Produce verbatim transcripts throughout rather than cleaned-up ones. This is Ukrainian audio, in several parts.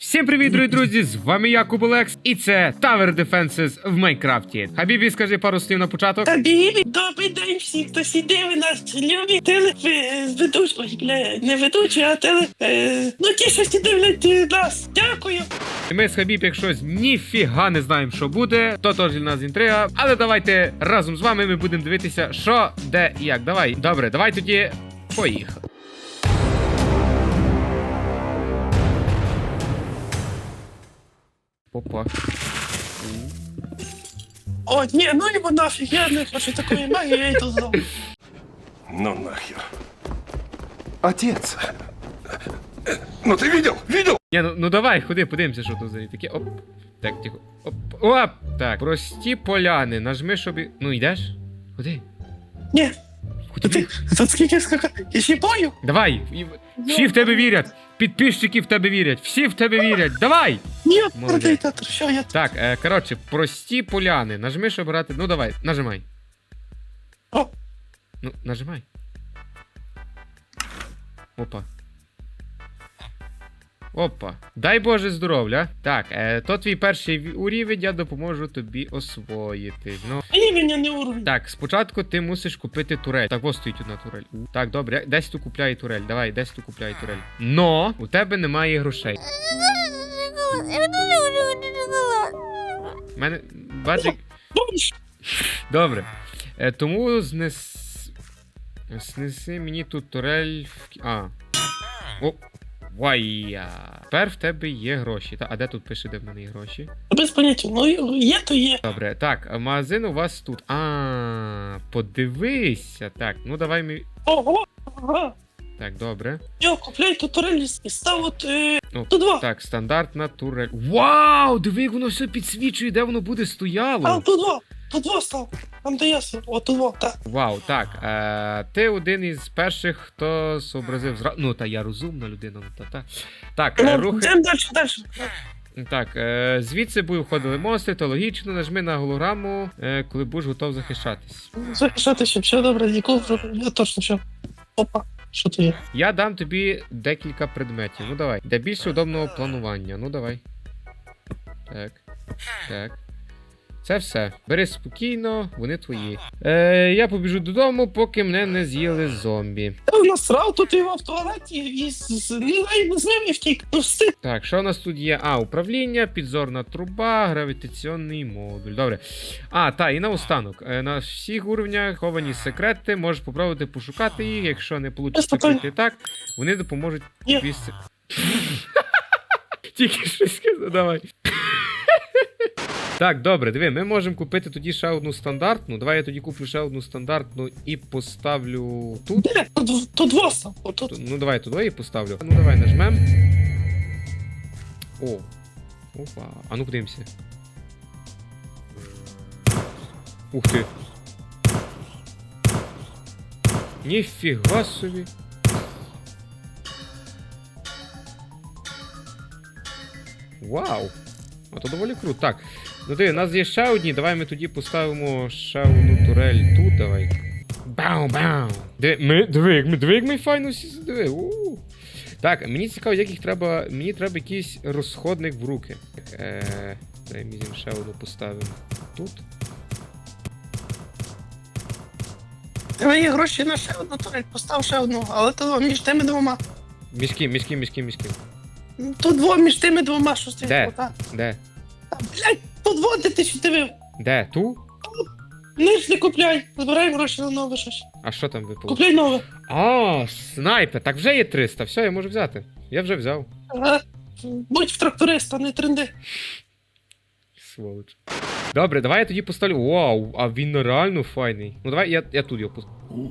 Всім привіт, дорогі друзі! З вами я, Куболекс, і це Tower Defenses в Майнкрафті. Хабібі, скажи пару слів на початок. Хабібі, добрий день всі, хто сидів і нас любить. Телеведучий, ой, бля, не ведучий, а теле... Е, ну ті, що всі дивлять нас. Дякую. І ми з Хабіб, якщо ніфіга не знаємо, що буде, то теж для нас інтрига. Але давайте разом з вами ми будемо дивитися, що, де і як. Давай. Добре, давай тоді поїхали. Опа. О, ні, ну його нафіг, я не хочу такої магії, я йду знову. Ну нахер. Отец. Ну ты видел? Видел? Ні, ну, ну давай, ходи, подивимося, що тут за таке. Оп. Так, тихо. Оп. Оп. Так, прості поляни. Нажми, щоб... і- Ну, йдеш? Ходи. Ні, Куди? ти, тут скільки скакати, я ще бою. Давай. І- Всі в тебе вірять. Підписчики в тебе вірять. Всі в тебе вірять. Давай. Ні, Молодець. продай театр, що я... Так, е, коротше, прості поляни. Нажми, щоб брати. Ну давай, нажимай. О, Ну, нажимай. Опа. Опа. Дай Боже здоров'я. Так, е, то твій перший ві- урівень, я допоможу тобі освоїти. Ну. імені не уровень. Так, спочатку ти мусиш купити турель. Так, ось стоїть одна турель. У, Так, добре, десь tu купляй турель. Давай, десь tu купляй турель. Но у тебе немає грошей. У мене баджик. Бомж. Добре. Е, тому знес... Снеси мені тут турель в... кі- А. О. Вайя. Тепер в тебе є гроші. Та, а де тут пише, де в мене є гроші? Без поняття, ну є, то є. Добре, так, а магазин у вас тут. А, подивися. Так, ну давай ми. Ого, ага. Так, добре. Йо, купляй тут турель і став от... Е, О, тут два. Так, стандартна турель. Вау! Диви, як воно все підсвічує, де воно буде А, стояло. тут два. Тут два став. Там де я сидів. О, тут два, так. Вау, так. Е, ти один із перших, хто зобразив зра... Ну, та я розумна людина, ну та та. Так, е, Ну, рухи. йдемо далі, далі. Так, е, звідси будуть входили монстри, то логічно, нажми на голограму, е, коли будеш готов захищатись. Захищатися, все добре, ніколи, я точно все. Опа, що то є? Я дам тобі декілька предметів. Ну давай. Для більш удобного планування. Ну давай. Так. Так. Це все. Бери спокійно, вони твої. Е, я побіжу додому, поки мене не з'їли зомбі. Та насрав тут його в туалеті і з, з, з, з ним і втік. Ну встиг. Так, що у нас тут є? А, управління, підзорна труба, гравітаційний модуль. Добре. А, та, і наостанок. Е, на всіх уровнях ховані секрети, можеш попробувати пошукати їх, якщо не вийде питань. пройти так, вони допоможуть Є. тобі. с- Тільки щось сказав, давай. Так, добре, диви, ми можемо купити тоді ще одну стандартну. Давай я тоді куплю ще одну стандартну і поставлю тут. Де? Тут, тут два став. Отут. Ну давай туди і поставлю. Ну давай нажмем. О. Опа. А ну подивимося. Ух ти. Ніфіга собі. Вау. А то доволі круто. Так. Ну диви, у нас є ще одні. Давай ми тоді поставимо ще одну турель тут, давай. Бау-бау. Диви, ми, диви, як ми, диви, як ми файно всі диви. У. Так, мені цікаво, як їх треба. Мені треба якийсь розходник в руки. Так, е, давай ми зім ще одну поставимо тут. Тебе є гроші на ще одну турель, постав ще одну, але то між тими двома. Між ким, між ким, між ким, між ким. Тут два між тими двома, що стоїть. Де? Ота. Де? Та, блядь, тут два, де ти що дивив. Де? Ту? Ниж не купляй, збирай гроші на нове щось. А що там випало? Купляй нове. А, снайпер. Так вже є триста. Все, я можу взяти. Я вже взяв. Ага. Будь в тракториста, не тренди. Сволоч. Добре, давай я тоді поставлю. Вау, а він реально файний. Ну давай я, я тут його поставлю.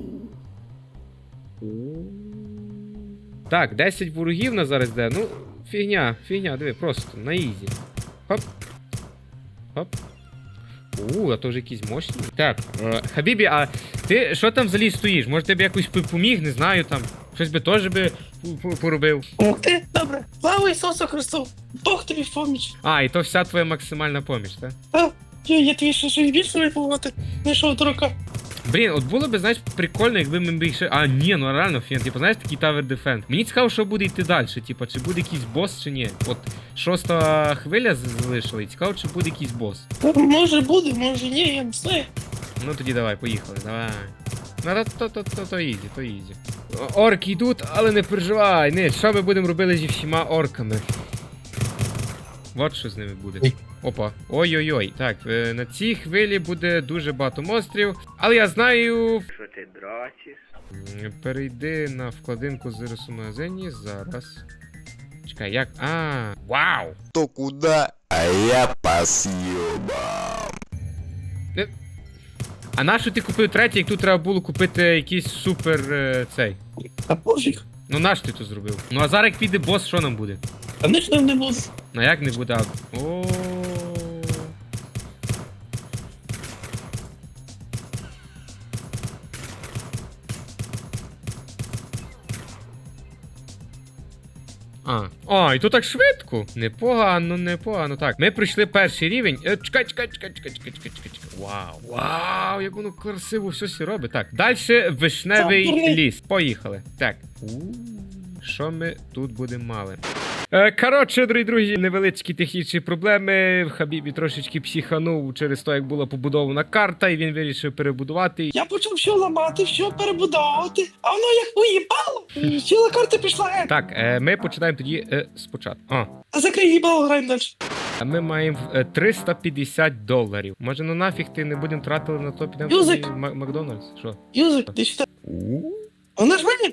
Так, десять ворогів на зараз де. Ну, фігня, фігня, диви, просто на ізі. Хоп. Хоп. У, а то вже якісь мощні. Так, е, Хабібі, а ти що там взагалі стоїш? Може тебе якось поміг, не знаю там. Щось би теж би п- п- поробив. Ух ти, добре. Слава Ісусу Христу. Бог тобі в поміч. А, і то вся твоя максимальна поміч, так? А, я, я тобі ще щось більше випувати. Знайшов дурака. Блін, от було б, знаєш, прикольно, якби ми більше. А, ні, ну реально, фін, типу, знаєш, такий Tower Defense. Мені цікаво, що буде йти далі, типу, чи буде якийсь бос, чи ні. От шоста хвиля залишила, і цікаво, чи буде якийсь бос. Може буде, може ні, я не знаю. Ну тоді давай, поїхали, давай. Ну то, то, то, то, то ізі, то ізі. Орки йдуть, але не переживай. Не, що ми будемо робити зі всіма орками? От що з ними буде. Ой. Опа. Ой-ой-ой. Так, е, на цій хвилі буде дуже багато монстрів. Але я знаю. Що ти дрочиш? М, Перейди на вкладинку зараз у магазині. Зараз. Чекай, як. А, вау! То куда, а я по съебам. А нащо ти купив третій, як тут треба було купити якийсь супер е, цей? А пофіг. Ну наш ти то зробив? Ну а зараз як піде бос, що нам буде? Конечно не буде. Ну як не буде? А- О. А. А, і то так швидко. Непогано, непогано. Так, ми пройшли перший рівень. Е, чекай, чекай, чекай, чекай, чекай, чекай, чекай, чекай. Вау. Вау, як воно красиво все сі робить. Так, далі вишневий Чорний. ліс. Поїхали. Так. У-у-у. Що ми тут будемо мали? Е, коротше, дорогі друзі, невеличкі технічні проблеми. Хабібі трошечки психанув через те, як була побудована карта, і він вирішив перебудувати. Я почав все ламати, все перебудовувати, а воно як уїбало. і Ціла карта пішла геть. Так, е, ми починаємо тоді е, спочатку. А, А закрий їбало, граємо далі. а ми маємо е, триста п'ятдесят доларів. Може, ну нафіг ти не будемо тратити на то, підемо Юзик. тоді в Мак- Макдональдс? Що? Юзик, ти сюди. У. Вона ж мені.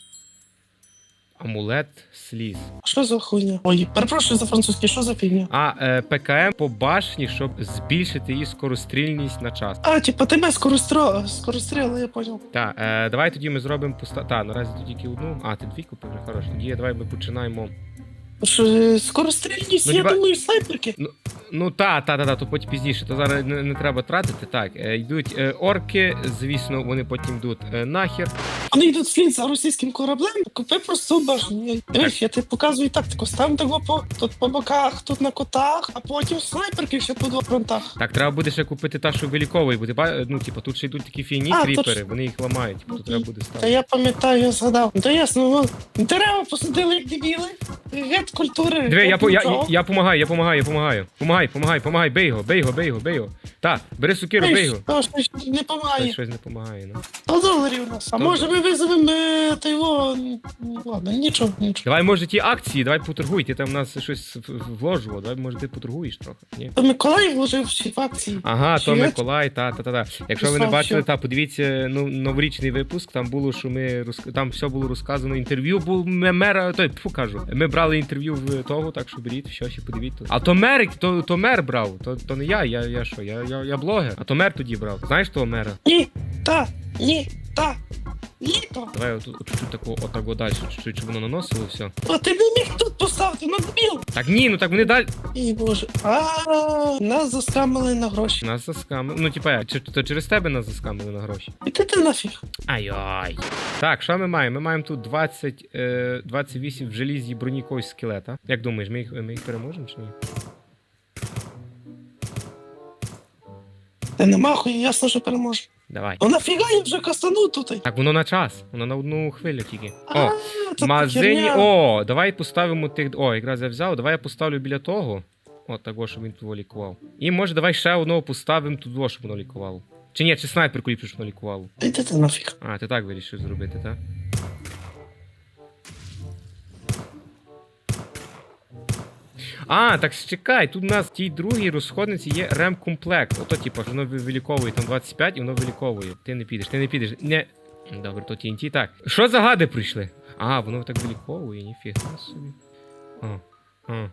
Амулет сліз. Що за хуйня? Ой, перепрошую за французький, що за фігня? А е, ПКМ по башні, щоб збільшити її скорострільність на час. А, типа тебе скористро... скоростріли, я понял. Так, е, давай тоді ми зробимо поста. Так, наразі тут тільки одну. А, ти дві купив вже хорошо. Тоді давай ми починаємо. Що, е, скорострільність, Ну, я хіба- думаю, снайперки. Ну та, та, та, та, то потім пізніше, то зараз не, не треба тратити. Так, е, йдуть е, орки, звісно, вони потім йдуть е, нахер. Вони йдуть вслід за російським кораблем, купи просто башню. Дивись, я тобі показую тактику. Ставимо того по, тут по боках, тут на котах, а потім снайперки ще по двох фронтах. Так, треба буде ще купити та, що виліковує, бо ти ба- ну, типу, тут ще йдуть такі фігні А, кріпери, точно. вони їх ламають, типу, тут треба буде Та ставити. я пам'ятаю, я згадав. Ну, то ясно, вон, дерева посадили як дебіли. Гет культури. Диви, я, гет по- я, нічого. я помагаю, я помагаю, я помагаю. Помагай, помагай, помагай, бей його, бей його, бей його, бей його. Та, бери сукиру, бей його. Та, щось не Та, помагає. щось не помагає, ну. сто доларів у нас. А Сто може ми визовемо е, та його... ну, Ладно, нічого, нічого. Давай, може, ті акції, давай потургуй, ти там в нас щось в- в- вложував, давай, може, ти поторгуєш трохи, ні? То Миколай вложив всі в акції. Ага, то Чи я- Миколай, та, та, та, та. Якщо ви не Писав, бачили, що- та подивіться ну, новорічний випуск, там було, що ми розк... там все було розказано. Інтерв'ю був ме- мера, той тьфу, кажу. Ми брали інтерв'ю в того, так що беріть, все, ще подивіться. А то мер, то, то мер брав, то, то не я, я, я що, я, я, я блогер, а то мер тоді брав. Знаєш того мера? Ні, та, ні, та, ні, то. Давай отут от, чуть-чуть таку отако далі, чуть-чуть, щоб воно наносило, все. А ти не міг тут поставити, ну дебіл. Так ні, ну так вони далі. І боже. А нас заскамили на гроші. Нас заскамили. Ну, типа, як, чи- то через тебе нас заскамили на гроші. Іди ти нафіг. Ай-ой. Так, що ми маємо? Ми маємо тут двадцять, е, двадцять вісім в желізі броні когось скелета. Як думаєш, ми їх, ми їх переможемо чи ні? Та нема хуй, ясно, що переможе. Давай. Ну нафіга я вже кастанув тут. Так, воно на час, воно на одну хвилю тільки. А, О, це в магазині. херня. О, давай поставимо тих. О, якраз я взяв, давай я поставлю біля того. От того, щоб він того лікував. І може давай ще одного поставимо туди, щоб воно лікувало. Чи ні, чи снайперку ліпше, щоб воно лікувало. Іди ти нафіг. А, ти так вирішив зробити, так? А, так чекай, тут у нас в тій другій розходниці є ремкомплект. Ото, типу, воно виліковує там двадцять п'ять і воно виліковує. Ти не підеш, ти не підеш. Не. Добре, то ті ен ті. Так. Що за гади прийшли? А, воно так виліковує, ніфіга собі. А, а.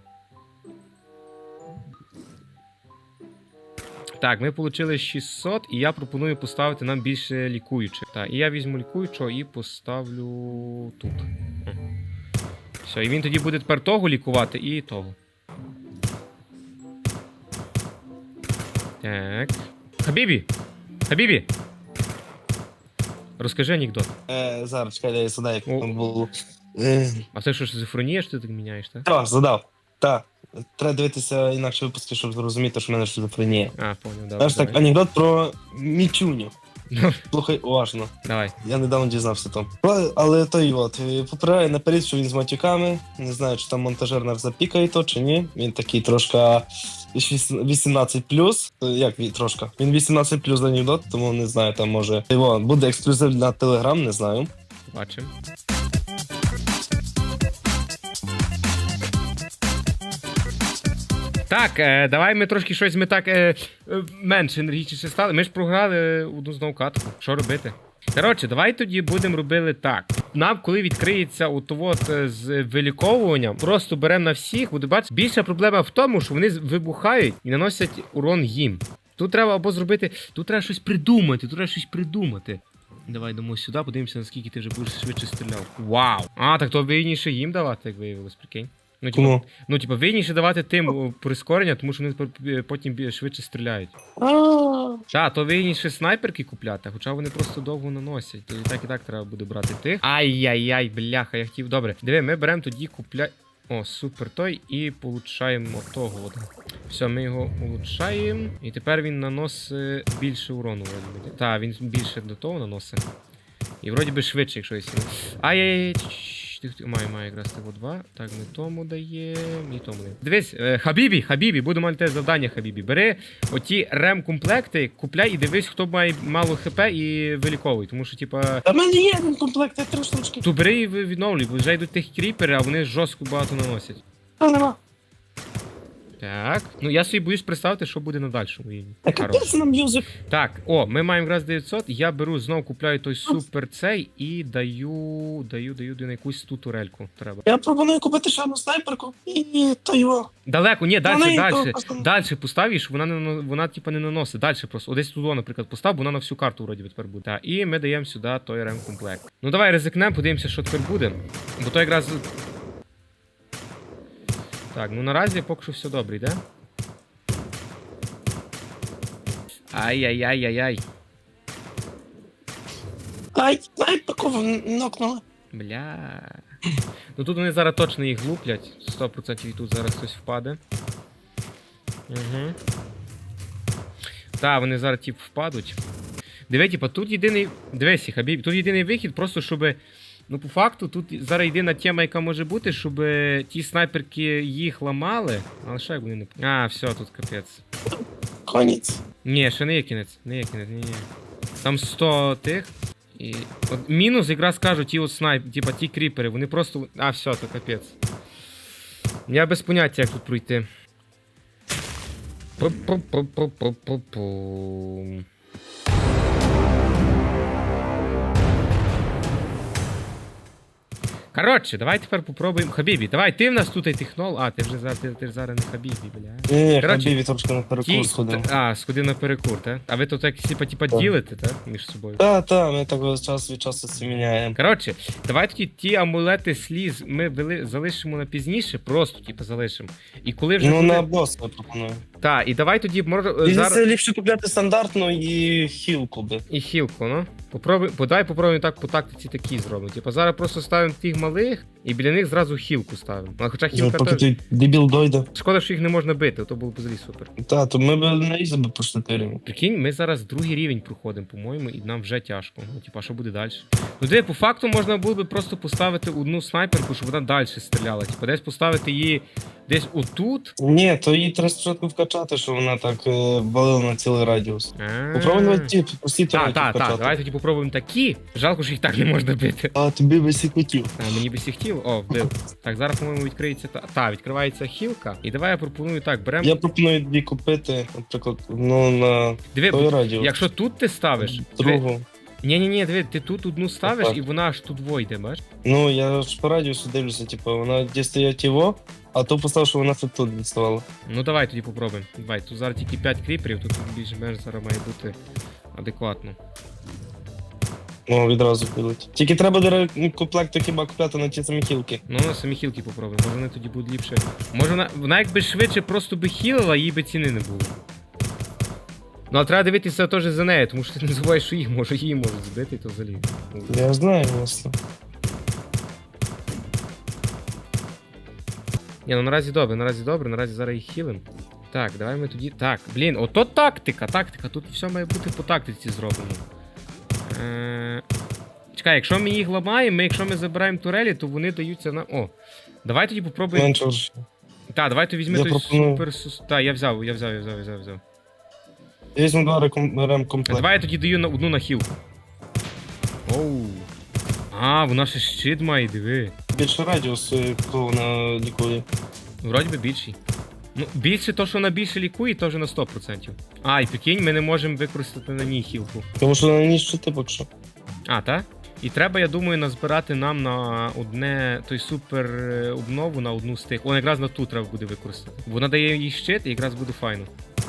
Так, ми отримали шістсот, і я пропоную поставити нам більше лікуючих. Так, і я візьму лікуючого і поставлю тут. О. Все, і він тоді буде тепер того лікувати і того. Так. Хабібі! Хабібі! Розкажи анекдот. Е, зараз, чекай, я задав, як О. там було. Е, А це що, шизофренія, що ти так міняєш, так? Так, задав. Так. Треба дивитися інакше випуски, щоб зрозуміти, що в мене шизофренія. А, понял, добре. Знаєш так, давай. анекдот про Мічуню. Слухай уважно. Давай. Я недавно дізнався там. Але, але той от, е, попереджає наперед, що він з матюками. Не знаю, чи там монтажер нас запікає то, чи ні. Він такий трошки вісімнадцять плюс. Як він трошки? Він вісімнадцять плюс анекдот, тому не знаю, там може. Його буде ексклюзив на Телеграм, не знаю. Бачимо. Так, е, давай ми трошки щось ми так е, е, менш енергічніше стали. Ми ж програли одну знову катку. Що робити? Коротше, давай тоді будемо робити так. Нам, коли відкриється от з виліковуванням, просто беремо на всіх, буде бачити. Більша проблема в тому, що вони вибухають і наносять урон їм. Тут треба або зробити. Тут треба щось придумати, тут треба щось придумати. Давай йдемо сюди, подивимося, наскільки ти вже будеш швидше стріляв. Вау! А, так то вигідніше їм давати, як виявилось, прикинь. Ну, типа, Кому? ну, типа, вигідніше давати тим о, прискорення, тому що вони пор- потім бі- швидше стріляють. А, Так, то вигідніше снайперки купляти, хоча вони просто довго наносять. То і так і так треба буде брати тих. Ай-яй-яй, бляха, я хотів. Добре. Диви, ми беремо тоді купля... О, супер той, і получаємо того. От. Все, ми його улучшаємо. І тепер він наносить більше урону. Так, він більше до того наносить. І вроді би швидше, якщо є. Ай-яй-яй. Має, має якраз того два. Так, не тому дає, не тому дає. Дивись, е, Хабібі, Хабібі, буду мати завдання, Хабібі. Бери оті рем-комплекти, купляй і дивись, хто має мало хп і виліковуй. Тому що, типа. Та в мене є один комплект, я три штучки. Ту бери і ви- відновлюй, бо вже йдуть тих кріпери, а вони жорстко багато наносять. Та нема. Так. Ну я собі боюсь представити, що буде на дальшому рівні. Так, Хорош. капець нам юзик. Так, о, ми маємо якраз дев'ятсот, я беру, знову купляю той супер цей і даю, даю, даю, даю на якусь ту турельку треба. Я пропоную купити ще одну снайперку і то його. Далеко, ні, далі, Вони далі, то просто- далі постав, і щоб вона, не, нано- вона типа не наносить, далі просто, одесь туди, наприклад, постав, бо вона на всю карту вроді би тепер буде. Так, і ми даємо сюди той ремкомплект. Ну давай ризикнемо, подивимося, що тепер буде, бо то якраз... Так, ну наразі поки що все добре, йде? Ай-яй-яй-яй-яй. Ай, снайперку в- нокнули. Бля. Ну тут вони зараз точно їх луплять. сто відсотків і тут зараз хтось впаде. Угу. Так, вони зараз тип впадуть. Диви, типа, тут єдиний. Дивись, Хабіб, тут єдиний вихід, просто щоб. Ну, по факту, тут зараз єдина тема, яка може бути, щоб ті снайперки їх ламали. Але що як вони не. А, все, тут капець. Конець. Ні, ще не є кінець. Не є кінець, ні, ні. Там сто тих. І... От мінус якраз кажуть, ті от снайп, типа ті кріпери, вони просто. А, все, то капець. Я без поняття, як тут пройти. Пу-пу-пу-пу-пу-пу-пу. Коротше, давай тепер попробуємо. Хабібі, давай, ти в нас тут технол. А, ти вже зараз, ти, ти ж зараз не Хабібі, бля. Ні, ні, Коротше, Хабібі трошки на перекур Ті... сходив. А, сходив на перекур, так? А ви тут так типа, типа Так. ділите, так? Між собою. Та, та, ми так час від часу це міняємо. Коротше, давай тоді ті амулети сліз ми вели... залишимо на пізніше, просто типу залишимо. І коли вже. Ну, буде... на бос я пропоную. Так, і давай тоді може Зараз... зараз. ліпше купляти стандартну і хілку би. І хілку, ну. Попробуй, подай попробуємо так по тактиці такі зробимо. Типу зараз просто ставимо тих малих і біля них зразу хілку ставимо. А хоча хілка Поки теж. той дебіл дойде. Шкода, що їх не можна бити, то було б взагалі супер. Та, то ми б на ізі би поштатиримо. Прикинь, ми зараз другий рівень проходимо, по-моєму, і нам вже тяжко. Ну, типа, що буде далі? Ну, де, по факту можна було би просто поставити одну снайперку, щоб вона далі стріляла. Типа, десь поставити її десь отут. Ні, то її треба спочатку вкачати, щоб вона так е, валила на цілий радіус. Попробуй на ті, прості Так, турельки так, так, вкачати. давай тоді попробуємо такі. Жалко, що їх так не можна бити. А тобі би сі хотів. А, мені би всі хотів. О, вбив. Так, зараз, по-моєму, відкриється та. Та, відкривається хілка. І давай я пропоную так, беремо. Я пропоную дві купити, наприклад, ну на Диви, той радіус. якщо тут ти ставиш. Другу. Ні, ні, ні, диви, ти тут одну ставиш Так. і вона аж тут войде, бачиш? Ну, я ж по радіусу дивлюся, типу, вона де стоять його, а то поставив, що вона тут відставала. Ну давай тоді попробуємо. Давай, тут зараз тільки п'ять кріперів, тут більш-менш зараз має бути адекватно. О, відразу підуть. Тільки треба до комплекти хіба купляти на ті самі хілки. Ну, на самі хілки попробуємо, може вони тоді будуть ліпше. Може вона, вона якби швидше просто би хілила, їй би ціни не було. Ну, а треба дивитися теж за нею, тому що ти не забуваєш, що їх може, її можуть збити, то взагалі. Я знаю, власне. Ні, ну наразі добре, наразі добре, наразі зараз їх хілим. Так, давай ми тоді. Так, блін, ото тактика, тактика, тут все має бути по тактиці зроблено. Е... Чекай, якщо ми їх ламаємо, ми, якщо ми забираємо турелі, то вони даються на. О! Давай тоді попробуємо. Менше вже. Так, давай ти візьми Я той пропоную. супер сус. Так, я взяв, я взяв, я взяв, я взяв, взяв. Я візьму два реком- ремкомплекти. Давай я тоді даю на одну на хіл. Оу. А, вона ще щит має, диви. Більше радіус, е, коли вона лікує. Вроді би більший. Ну, більше то, що вона більше лікує, то вже на сто відсотків. А, і прикинь, ми не можемо використати на ній хілку. Тому що на ніч щити поки що. А, так? І треба, я думаю, назбирати нам на одне той супер е, обнову на одну з тих. О, якраз на ту треба буде використати. Вона дає їй щит і якраз буде файно.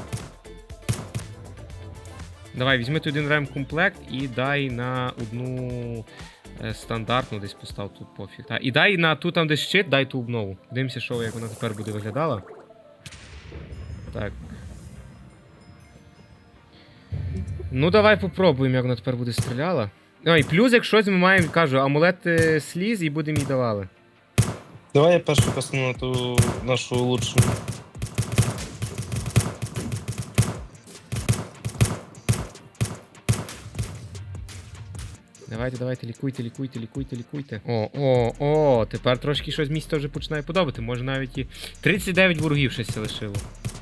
Давай, візьми той один ремкомплект і дай на одну е, стандартну десь постав тут пофіг. Та, і дай на ту там де щит, дай ту обнову. Дивимося, що як вона тепер буде виглядала. Так. Ну, давай попробуємо, як вона тепер буде стріляла. А, і плюс, як щось ми маємо, кажу, амулет е, сліз і будемо їй давали. Давай я першу касну на ту нашу лучшу. Давайте, давайте, лікуйте, лікуйте, лікуйте, лікуйте. О, о, о, тепер трошки щось місто вже починає подобати. Може навіть і тридцять дев'ять ворогів щось лишило.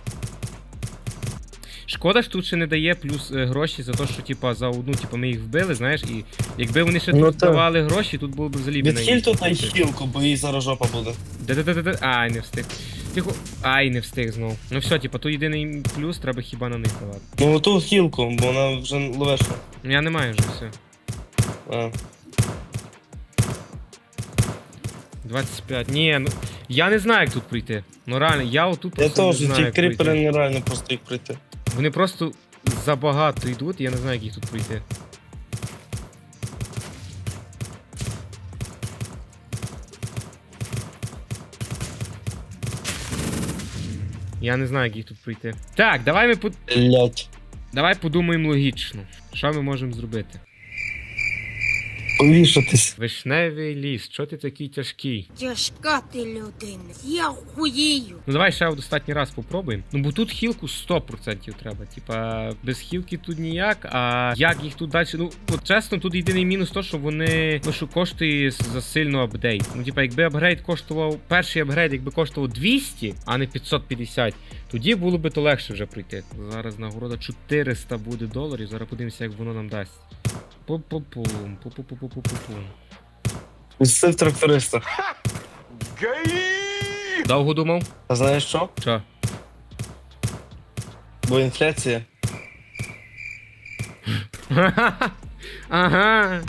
Шкода ж тут ще не дає плюс е, гроші за те, що типа за одну, типа ми їх вбили, знаєш, і якби вони ще Ну, тут так. давали гроші, тут було б взагалі б на Відхиль їх. тут на хілку, бо їй зараз жопа буде. Де-де-де-де. Ай, не встиг. Тихо. Ай, не встиг знов. Ну все, типа, тут єдиний плюс, треба хіба на них давати. Ну оту хілку, бо вона вже ловешна. Ну я не маю вже все. А. двадцять п'ять. Ні, ну я не знаю, як тут пройти. Ну реально, я отут Я просто не теж, знаю, ті як кріпери пройти. нереально просто їх пройти. Вони просто забагато йдуть, і я не знаю, як їх тут пройти. Я не знаю, як їх тут пройти. Так, давай ми по... Блять. давай подумаємо логічно. Що ми можемо зробити? Повішатись. Вишневий ліс, що ти такий тяжкий? Тяжка ти людина. Я хуєю. Ну давай ще останній раз попробуємо. Ну бо тут хілку сто відсотків треба. Типа, без хілки тут ніяк, а як їх тут далі. Ну, от чесно, тут єдиний мінус то, що вони ну, що коштує за сильно апдейт. Ну, типа, якби апгрейд коштував, перший апгрейд, якби коштував двісті, а не п'ятсот п'ятдесят, тоді було би то легше вже пройти. Зараз нагорода чотириста буде доларів. Зараз подивимося, як воно нам дасть. Пу-пу-пум, пу-пу-пу-пу-пу-пум. Відсив тракториста. Довго думав? А знаєш що? Що? Бо інфляція. Ага.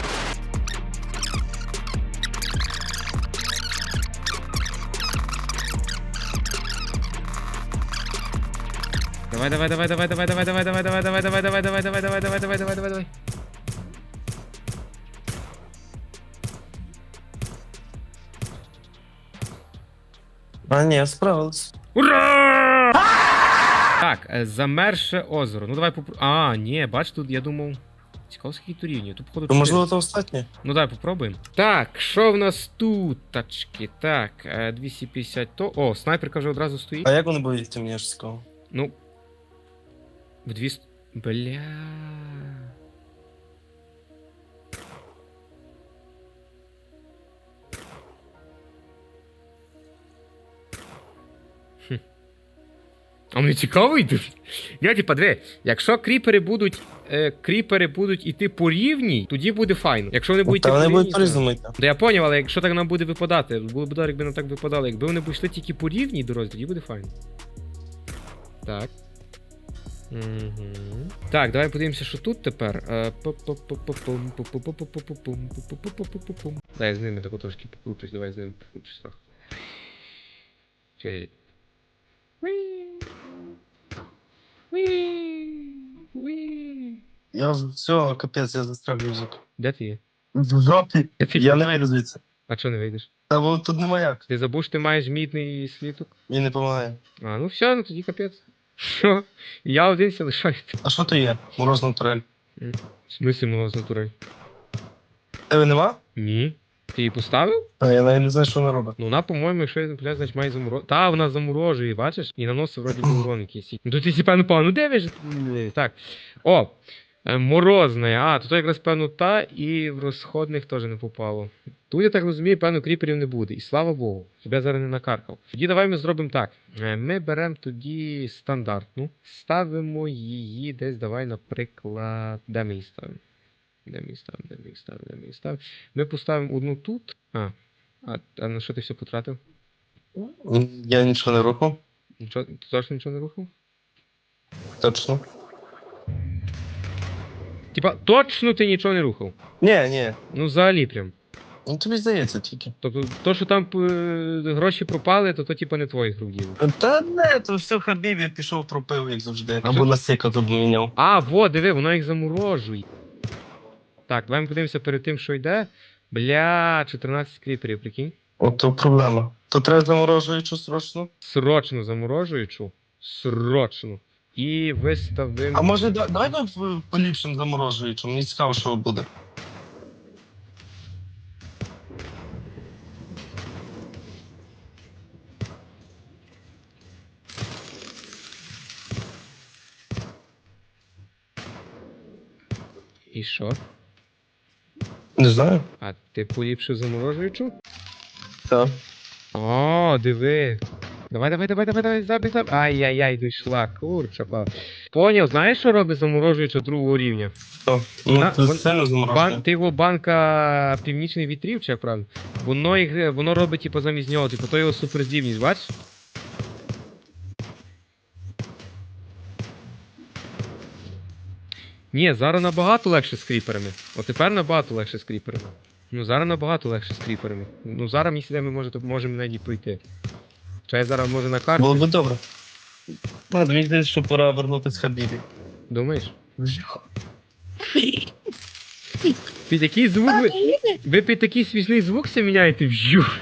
Давай, давай, давай, давай, давай, давай, давай, давай, давай, давай, давай, давай, давай, давай, давай, давай, давай, давай, давай, давай. А ні, справились. Ура! Так, е, замерше озеро. Ну давай попро... А, ні, бач, тут я думав. Цікаво, скільки тут рівнів. Тут походу То чотири. можливо то останнє? Ну давай попробуємо. Так, що в нас тут, тачки? Так, е, двісті п'ятдесят то. О, снайперка вже одразу стоїть. А як вони боїться, мені ж цікаво. Ну. В двісті. Бля. Хм. А мені цікаво йдуть. Я типа, диви, якщо кріпери будуть. Е, кріпери будуть іти по рівній, тоді буде файно. Якщо вони будуть Та іти вони по будуть рівній, по-різному йти. Да я поняв, але якщо так нам буде випадати, було б добре, якби нам так випадало. Якби вони б йшли тільки по рівній дорозі, тоді буде файно. Так. Угу. Так, давай подивимося, що тут тепер. Дай я з ними тако трошки покручусь, давай з ними покручусь трохи. Чекай. Я все, капець, я застряг язик. Де ти є? В жопі. Де ти? Я не вийду звідси. А чого не вийдеш? Та бо тут нема як. Ти забув, що ти маєш мідний сліток? Мені не допомагає. А, ну все, ну тоді капець. Що? Я один ся лишаю. А що то є? Морозна турель. В смысле мороз натураль? Тебе нема? Ні. Ти її поставив? А я навіть не знаю, що вона робить. Ну вона, по-моєму, якщо я не помиляюсь, значить має заморожувати. Та, вона заморожує, бачиш? І наносить вроді би урон якийсь. Ну тут ти певно пав, ну де ви ж? Так. О! Е, Морозне, а, то, то якраз певно та і в розходних теж не попало. Тут, я так розумію, певно, кріперів не буде. І слава Богу, щоб я зараз не накаркав. Тоді давай ми зробимо так. Е, Ми беремо тоді стандартну, ставимо її десь, давай, наприклад, де ми її ставимо? Де ми її ставимо, де ми її ставимо, де ми її ставимо? Ми поставимо одну тут. А, а, а на що ти все потратив? Я нічого не рухав. Нічого, ти точно нічого не рухав? Точно. Типа, точно ти нічого не рухав? Ні, ні. Ну, взагалі прям. Ну тобі здається тільки. Тобто, то, що там е, гроші пропали, то то типа не твоїх рук діло. Та не, то все Хабібі пішов пропив, як завжди. Або на сека тут міняв. А, во, диви, воно їх заморожує. Так, давай ми подивимося перед тим, що йде. Бля, чотирнадцять кріперів, прикинь. Ото проблема. То треба заморожуючу срочно. Срочно заморожуючу. Срочно. І виставимо. А може да- давай ми в- поліпшим заморожуючу, мені цікаво, що буде. І що? Не знаю. А ти поліпшив заморожуючу? Так. О, диви. Давай, давай, давай, давай, давай, забіг, забіг. Ай-яй-яй, дійшла, курча, па. Поняв, знаєш, що робить заморожуюча другого рівня? То. Ну, На- це вон- сильно заморожує. Бан, ти його банка північних вітрів, чи як правильно? Воно, їх, воно робить, типу, замість нього, типу, то його суперздібність, бачиш? Ні, зараз набагато легше з кріперами. От тепер набагато легше з кріперами. Ну зараз набагато легше з кріперами. Ну зараз мені сюди ми може, можемо навіть і пройти. Чи я зараз може на карту? Було би добре. Ладно, мені здається, що пора вернутися Хабібі. Думаєш? Під який звук ви... Ви під такий смішний звук все міняєте? Вжух.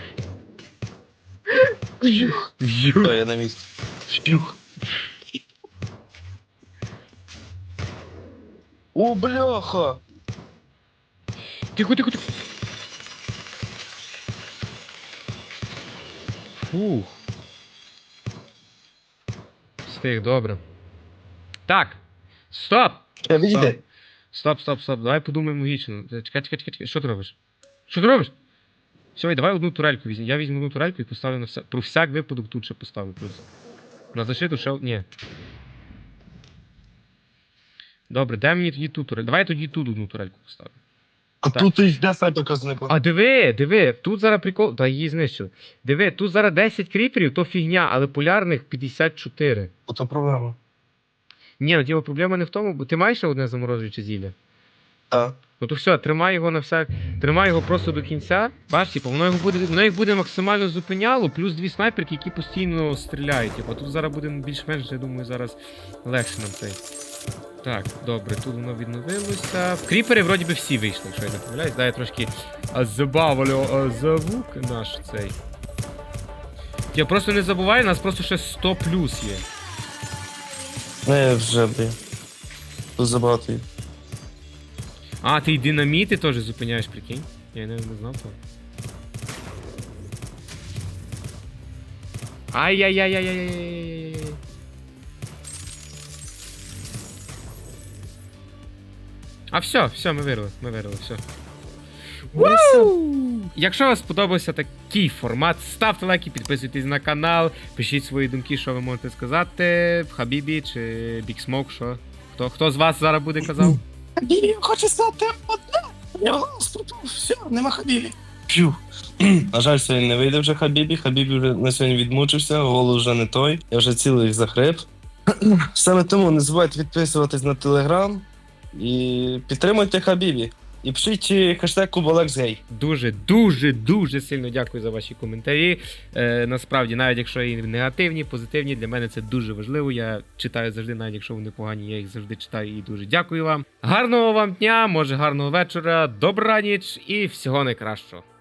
Вжух. Вжух. То я на місці. Вщух. О, бляха! Тихо, тихо, тихо. Фух. Встиг, добре. Так. Стоп! Я відійди. Стоп, стоп, стоп. Давай подумаємо логічно. Чекай, чекай, чекай, чекай. Що ти робиш? Що ти робиш? Все, давай одну турельку візьмі. Я візьму одну турельку і поставлю на вся... Про всяк випадок тут ще поставлю плюс. На защиту ще... Ні. Добре, дай мені тоді ту турельку. Давай я тоді тут одну турельку поставлю. А Так. тут і йде снайперка зникла. А диви, диви, тут зараз прикол. Та її знищили. Диви, тут зараз десять кріперів, то фігня, але полярних п'ятдесят чотири. Ото проблема. Ні, ну тіба проблема не в тому, бо ти маєш ще одне заморожуюче зілля. Так. Ну то все, тримай його на всяк. Тримай його просто до кінця. Бачиш, типу, воно його буде. Воно їх буде максимально зупиняло, плюс дві снайперки, які постійно стріляють. Типу, тут зараз буде більш-менш, я думаю, зараз легше нам цей. Так, добре, тут воно відновилося. В кріпери вроді би всі вийшли, якщо я не помиляюсь. Дай я трошки а, забавлю а, звук наш цей. Я просто не забувай, у нас просто ще сто плюс є. Не, вже, блін. Тут забагато їх. А, ти й динаміти теж зупиняєш, прикинь? Я не, не знав того. Ай-яй-яй-яй-яй-яй-яй-яй. А все, все, ми вирили, ми вирили, все. Якщо вам сподобався такий формат, ставте лайки, підписуйтесь на канал, пишіть свої думки, що ви можете сказати. Хабібі чи Big Smoke, що? Хто, хто з вас зараз буде казав? Хабібі хоче сказати одне. Я голос пропав, все, нема Хабібі. П'ю. На жаль, сьогодні не вийде вже Хабібі. Хабібі вже на сьогодні відмучився, голос вже не той. Я вже цілий захрип. Саме тому не забувайте підписуватись на телеграм і підтримуйте Хабібі. І пишіть хештег куболексгей. Дуже, дуже, дуже сильно дякую за ваші коментарі. Е, насправді, навіть якщо і негативні, позитивні, для мене це дуже важливо. Я читаю завжди, навіть якщо вони погані, я їх завжди читаю і дуже дякую вам. Гарного вам дня, може гарного вечора, добраніч і всього найкращого.